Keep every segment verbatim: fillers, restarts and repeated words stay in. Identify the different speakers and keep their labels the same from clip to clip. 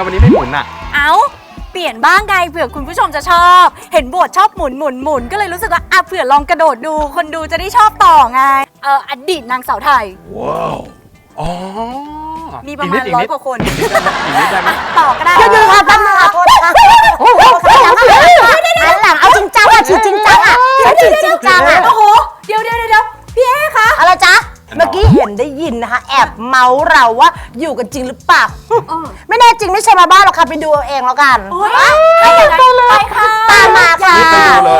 Speaker 1: วันนี้ไม่หมุนอ่ะ
Speaker 2: เอ้าเปลี่ยนบ้างไงเผื่อคุณผู้ชมจะชอบเห็นโบทชอบหมุนหมุนหมุนก็เลยรู้สึกว่าอ่ะเผื่อลองกระโดดดูคนดูจะได้ชอบต่อไงเอออดีตนางสาวไทย
Speaker 1: ว้าวอ๋อ
Speaker 2: มีประมาณร้อยกว่าคน
Speaker 1: อีกนิดได้ไหม
Speaker 2: ต่อก็ได้
Speaker 3: เดี๋ยวค่ะตั้งค่ะโทษค่ะโอ้โหหันหลังเอาจริงจังอ่ะฉีดจริงจังอ่ะฉีดจริงจังอ่ะ
Speaker 2: โอ้โหเดี๋ยวเดี๋ยวเดี๋ยวพี่เอ๊คะ
Speaker 3: อะไรจ๊ะเมื่อกี้เห็นได้ยินนะคะแอบเมาส์เราว่าอยู่กันจริงหรือเปล่าไม่แน่จริงไม่ใช่มาบ้านหรอกค่ะไปดูเอาเองแล้วกัน
Speaker 2: ไปเลยไปค่ะ
Speaker 3: ตามมาค่ะ
Speaker 1: ไปดูเลย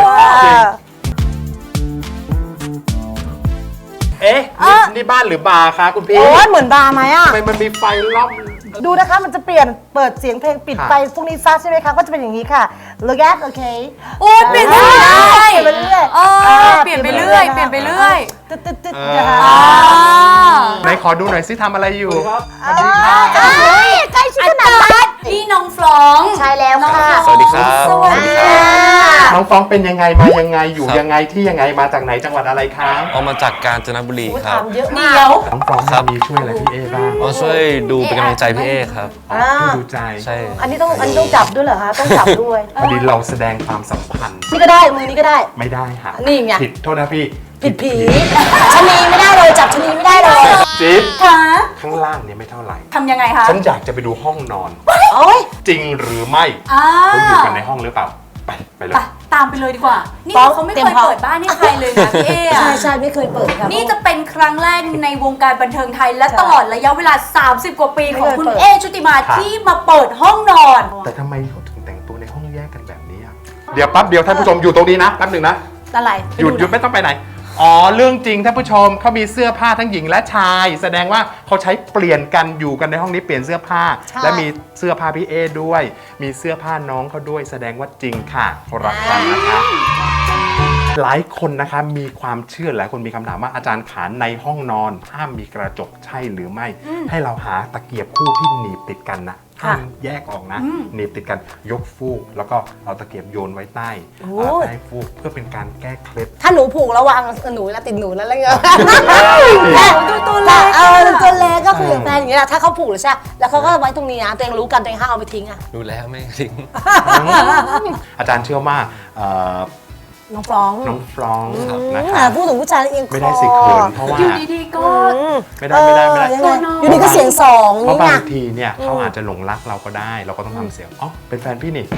Speaker 1: เอ๊ะนี่บ้านหรือบาร์คะคุณพี่
Speaker 3: โอ้ยเหมือนบาร์ไหมอ่ะ
Speaker 1: ทำไมมันมีไฟรอบ
Speaker 3: ดูนะคะมันจะเปลี่ยนเปิดเสียงเพลงปิดไฟพวกนี้ซะใช่ไหมคะก็จะเป็นอย่างนี้ค่ะ look at โอเค
Speaker 2: โอ้เปลี่ยนไปเรื่อย
Speaker 3: เปลี่ยนไปเรื่อย
Speaker 2: เปลี่ยนไปเรื่อยเปลี่ยนไปเรื่อย
Speaker 3: ตึ๊ดตึ๊ดตึ๊ดนะคะ
Speaker 1: ไหนขอดูหน่อยสิทำอะไรอยู่
Speaker 3: สวัสดีค่ะใกล้ชิดขนาดนั้น
Speaker 2: นี่น้องฟลอง
Speaker 3: ใช่แล้วค่ะ
Speaker 1: สวัสดีครับ
Speaker 2: สวัสดีค่ะ
Speaker 1: น้องฟองเป็นยังไงมายังไงอยู่ยังไงที่ยังไงมาจากไหนจังหวัดอะไรครับ
Speaker 4: เอามาจากกาญจนบุรีครับ
Speaker 3: เยอะ
Speaker 2: เดี
Speaker 3: มาก
Speaker 2: ยว
Speaker 1: น้องฟองมีช่วยอะไรพี่เอบ้าง
Speaker 4: เอาช่วยดูเป็นกำลังใจพี่เอครับ
Speaker 1: ดูใจ
Speaker 4: ใช่
Speaker 3: อันนี้ต้องอันนี้ต้องจับด้วยเหรอคะต้องจับด้วย
Speaker 1: พอดีเราแสดงความสัมพันธ์
Speaker 3: นี่ก็ได้มือนี้ก็ได้
Speaker 1: ไม่ได้ค่ะ
Speaker 3: นี่ไง
Speaker 1: ผิดโทษนะพี่
Speaker 3: ผิดผีชะนีไม่ได้เลยจับชะนีไม่ได้เลย
Speaker 1: จิ๊บ
Speaker 2: ค่ะ
Speaker 1: ข้างล่างเนี่ยไม่เท่าไหร่
Speaker 2: ทำยังไงคะ
Speaker 1: ฉันอยากจะไปดูห้องนอน
Speaker 3: โอ้ย
Speaker 1: จริงหรือไม่เขาอยู่กันในห้องหรือเปล่าไปไปเลย
Speaker 2: ตามไปเลยดีกว่านี่เขาไม่เคยเปิดบ้านให้ใครเลยนะพี่เอ
Speaker 3: ใช่ใช่ไม่เคยเปิดครับ
Speaker 2: นี่จะเป็นครั้งแรกในวงการบันเทิงไทยและตลอดระยะเวลาสามสิบกว่าปีของคุณเอชุติมาที่มาเปิดห้องนอน
Speaker 1: แต่ทำไมเขาถึงแต่งตัวในห้องแยกกันแบบนี้เดี๋ยวแป๊บเดียวท่านผู้ชมอยู่ตรงนี้นะแป๊บหนึ่งนะ
Speaker 3: อะไร
Speaker 1: หยุดหยุดไม่ต้องไปไหนอ๋อเรื่องจริงท่านผู้ชมเขามีเสื้อผ้าทั้งหญิงและชายแสดงว่าเขาใช้เปลี่ยนกันอยู่กันในห้องนี้เปลี่ยนเสื้อผ้าและมีเสื้อผ้าพี่เอด้วยมีเสื้อผ้าน้องเขาด้วยแสดงว่าจริงค่ะรักกันนะคะหลายคนนะคะมีความเชื่อหลายคนมีคำถามว่าอาจารย์ขานในห้องนอนห้ามมีกระจกใช่หรือไม่ให้เราหาตะเกียบคู่ที่หนีบติดกันนะห้ามแยกออกนะหนีบติดกันยกฟูกแล้วก็เอาตะเกียบโยนไว้ใต้ใต้ฟูกเพื่อเป็นการแก้เคล็ด
Speaker 3: ถ้าหนูผูกระวังหนูนะติดหนูนั่นแหละเงี้ย
Speaker 2: ดูตัวเล็ก
Speaker 3: เออตัวเล็กก็คือแฟนอย่างเงี้ยถ้าเขาผูกหรือใช่แล้วเขาก็ไว้ตรงนี้นะตัวเองรู้กันตัวเองห้ามเอาไปทิ้งอ่ะ
Speaker 4: ดูแล้วไม่ทิ้ง
Speaker 1: อาจารย์เชื่อว่า
Speaker 3: น้องฟรอง
Speaker 1: น้องฟรองนะคะ
Speaker 3: พูดถึงผู้ชายเอง
Speaker 1: ไม่ได้สิเขินเพราะว่า
Speaker 2: อยู่ดีๆก็
Speaker 1: ไม่ได้ไม่ได้ไม่ได้
Speaker 3: อยู่ดีก็เสียงสอง
Speaker 1: เพราะบางทีเนี่ยเขาอาจจะหลงรักเราก็ได้เราก็ต้องทำเสียงอ๋อเป็นแฟนพี่นี่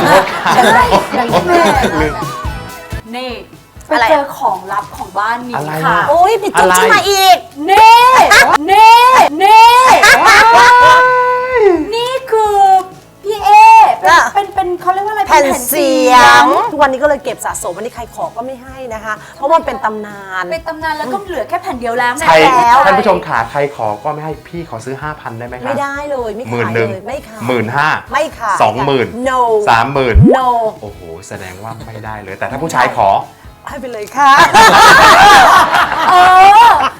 Speaker 2: นี่ไปเจอของลับของบ้านนี้ค่ะ
Speaker 3: โอ้ยปิดจุ๊บขึ้นมาอีก
Speaker 2: เน่เน่เน่นี่คือพี่เอเป็นเป็นเขาเรียกว่าอะไร
Speaker 3: แผ่นเสียงทุกวันนี้ก็เลยเก็บสะสมวันนี้ใครขอก็ไม่ให้นะคะเพราะมันเป็นตำนาน
Speaker 2: เป็นตำนานแล้วก็เหลือแค่แผ่นเดียวแล้ว
Speaker 1: ใช่ท่านผู้ชมขาใครขอก็ไม่ให้พี่ขอซื้อ ห้าพัน ได้ไหมครับ
Speaker 3: ไม่ได้เลยไม่ขายเลยไม่ขาย
Speaker 1: หมื่นห้า
Speaker 3: ไม่ขาย
Speaker 1: สองหมื่น
Speaker 3: no
Speaker 1: สามหมื่น
Speaker 3: no
Speaker 1: โอ้โหแสดงว่าไม่ได้เลยแต่ถ้าผู้ชายขอ
Speaker 3: ให้ไปเลยค่ะ
Speaker 2: เออ